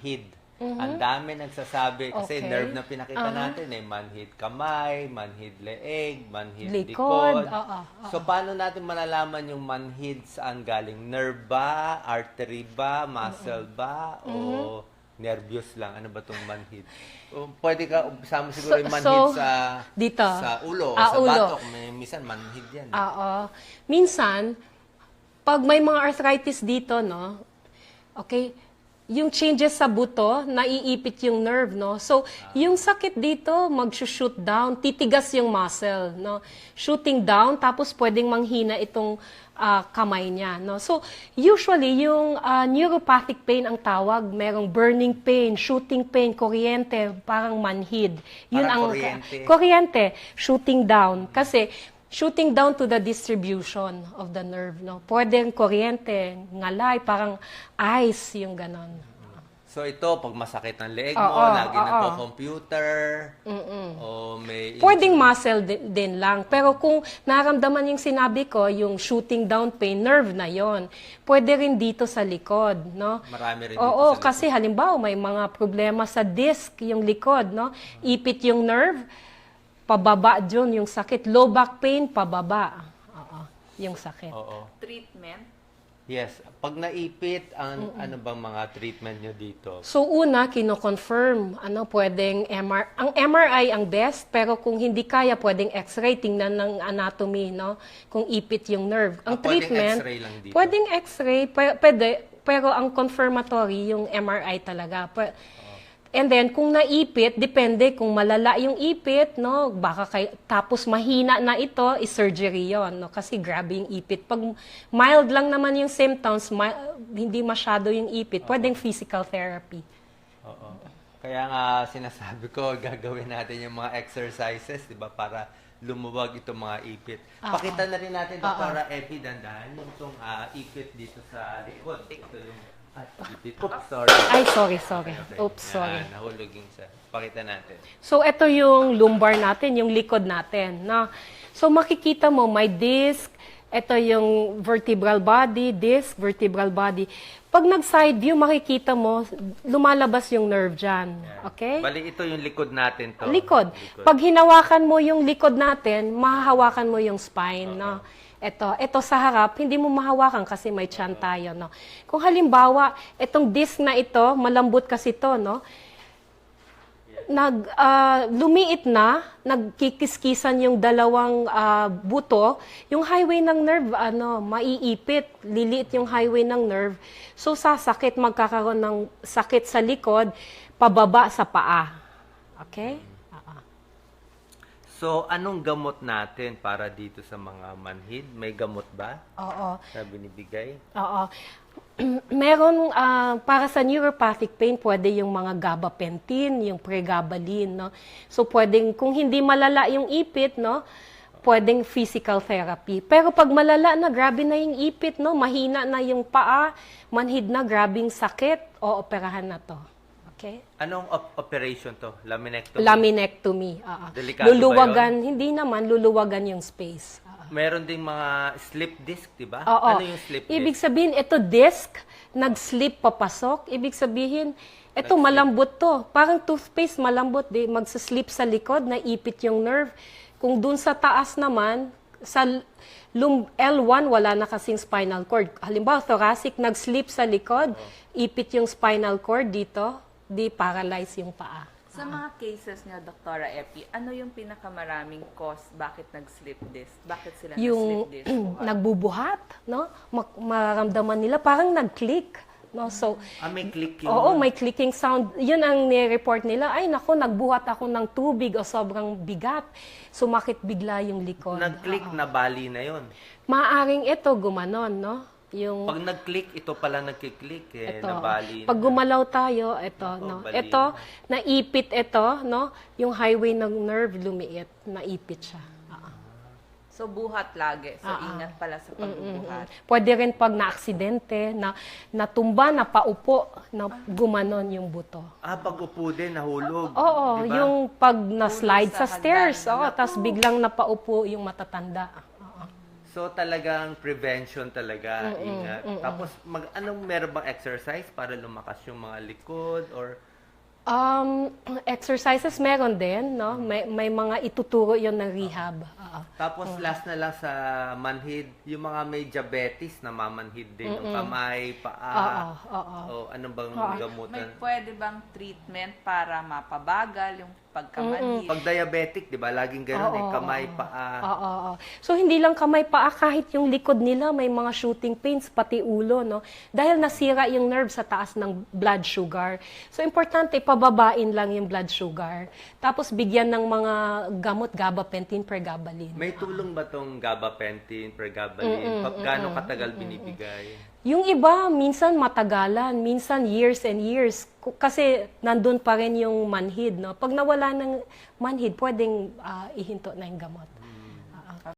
manhid. Ang dami nagsasabi kasi Okay. nerve na pinakita natin manhid kamay, manhid leeg, manhid Likod. likod. Oo. So paano natin malalaman yung manhid saan galing? Nerve ba, artery ba, muscle ba, o nervous lang? Ano ba tong manhid? O, pwede ka sama siguro yung manhid dito. sa ulo, Ah, sa ulo. batok. Minsan manhid yan. Oo. Minsan, pag may mga arthritis dito, no, okay, yung changes sa buto, naiipit yung nerve, no? So, yung sakit dito, mag-shoot down, titigas yung muscle, no? Shooting down, tapos pwedeng manghina itong kamay niya, no? So, usually, yung neuropathic pain ang tawag, merong burning pain, shooting pain, kuryente, parang manhid. Yun Parang ang kuryente. kuryente, shooting down. Kasi, shooting down to the distribution of the nerve, no? Pwedeng kuryente, ngalay, parang ice, yung ganon. So ito, pag masakit ang leeg mo, Oo, lagi oo. nagko-computer, o may... Pwedeng muscle din lang. Pero kung naramdaman yung sinabi ko, yung shooting down pain, nerve na yon. Pwede rin dito sa likod, no? Marami rin dito Oo, sa likod. kasi halimbawa may mga problema sa disc, yung likod, no? Ipit yung nerve, pababa dyan yung sakit. Low back pain, pababa. Oo, yung sakit. Oo. Treatment? Yes. Pag naipit, ano bang mga treatment nyo dito? So una, kino-confirm, pwedeng ang MRI ang best, pero kung hindi kaya, pwedeng X-ray, tingnan ng anatomy, no? Kung ipit yung nerve. Ang Pwedeng treatment, X-ray lang dito? pwedeng X-ray, pwede, pero ang confirmatory, yung MRI talaga. And then, kung naipit, depende kung malala yung ipit, no? Tapos mahina na ito, is-surgery yon, no? Kasi grabe yung ipit. Pag mild lang naman yung symptoms, hindi masyado yung ipit, pwedeng physical therapy. Oo. Kaya nga sinasabi ko, gagawin natin yung mga exercises, di ba, para lumuwag itong mga ipit. Pakita na rin natin, Dr. Epi, dandahan yung itong ipit dito sa likod. Ito yung ipit. Oops, sorry. Ay, sorry. Okay. Oops, sorry. Nahulog yung sa... Pakita natin. So, ito yung lumbar natin, yung likod natin. No? So, makikita mo, may disc, ito yung vertebral body, disc, vertebral body. Pag nag-side view, makikita mo, lumalabas yung nerve dyan. Okay? Bali, ito yung likod natin to. Likod. Pag hinawakan mo yung likod natin, mahahawakan mo yung spine, no? Ito sa harap, hindi mo mahawakan kasi may tiyan tayo, no? Kung halimbawa, itong disc na ito, malambot kasi to, no? Lumiit na, nagkikiskisan yung dalawang buto, yung highway ng nerve, maiipit, liliit yung highway ng nerve. So, sasakit, magkakaroon ng sakit sa likod, pababa sa paa. Okay? So, anong gamot natin para dito sa mga manhid? May gamot ba? Oo. Na binibigay? Oo. Meron, para sa neuropathic pain, pwede yung mga gabapentin, yung pregabalin, no? So, pwedeng, kung hindi malala yung ipit, no? Pwedeng physical therapy. Pero pag malala na, grabe na yung ipit, no? Mahina na yung paa, manhid na, grabing sakit, o operahan na to. Okay? Anong operation to? Laminectomy? Laminectomy. Delikado Luluwagan, hindi naman, luluwagan yung space. Meron ding mga slip disc, di ba? Oo. Ano yung slip disc? Ibig sabihin, ito disc, nag-slip papasok. Ibig sabihin, ito malambot to. Parang toothpaste, malambot. Magsaslip sa likod, naipit yung nerve. Kung dun sa taas naman, sa L1, wala na kasing spinal cord. Halimbawa, thoracic, nag-slip sa likod, ipit yung spinal cord dito, di paralyze yung paa. Sa mga cases niya, Dr. Epi, ano yung pinakamaraming cause bakit nag-slip disc? Bakit sila Yung nag-slip disc? nagbubuhat, no? Maramdaman nila parang nag-click, no? So, May click yun. oo, may clicking sound. Yun ang ni-report nila. Ay, nako, nagbuhat ako ng tubig o sobrang bigat. Sumakit bigla yung likod. Nag-click na bali na yun. Maaring ito gumanon, no? Yung Pag nag-click, ito pala nagkiklik ito. nabali. Pag gumalaw tayo, ito, no? bali Ito, naipit ito, no? Yung highway ng nerve lumiit, naipit siya. So, buhat lagi. So, ingat pala sa pagbubuhat. Pwede rin pag na-aksidente, natumba, napaupo, na gumanon yung buto. Pag upo din, nahulog. Oo, di ba? yung pag na-slide Hulog sa sa stairs, hagdan. tapos biglang napaupo yung matatanda. Oo. So talagang prevention talaga, ingat. Tapos anong meron bang exercise para lumakas yung mga likod or Exercises meron din, no? May mga ituturo yon ng rehab. Oo. tapos last na lang sa manhid, yung mga may diabetes na mamanhid din, yung kamay, paa. Oo. O anong bang May gamutan? pwede bang treatment para mapabagal yung pagkamanhid? Pag diabetic, 'di ba? Laging ganoon eh, kamay, paa. Oo. So, hindi lang kamay paa, kahit yung likod nila may mga shooting pains, pati ulo, no? Dahil nasira yung nerve sa taas ng blood sugar. So, importante, pababain lang yung blood sugar. Tapos, bigyan ng mga gamot, gabapentin, pregabalin. May tulong ba tong gabapentin, pregabalin? Gaano katagal binibigay? Yung iba, minsan matagalan, minsan years and years. Kasi nandun pa rin yung manhid, no? Pag nawala ng manhid, pwedeng ihinto na yung gamot.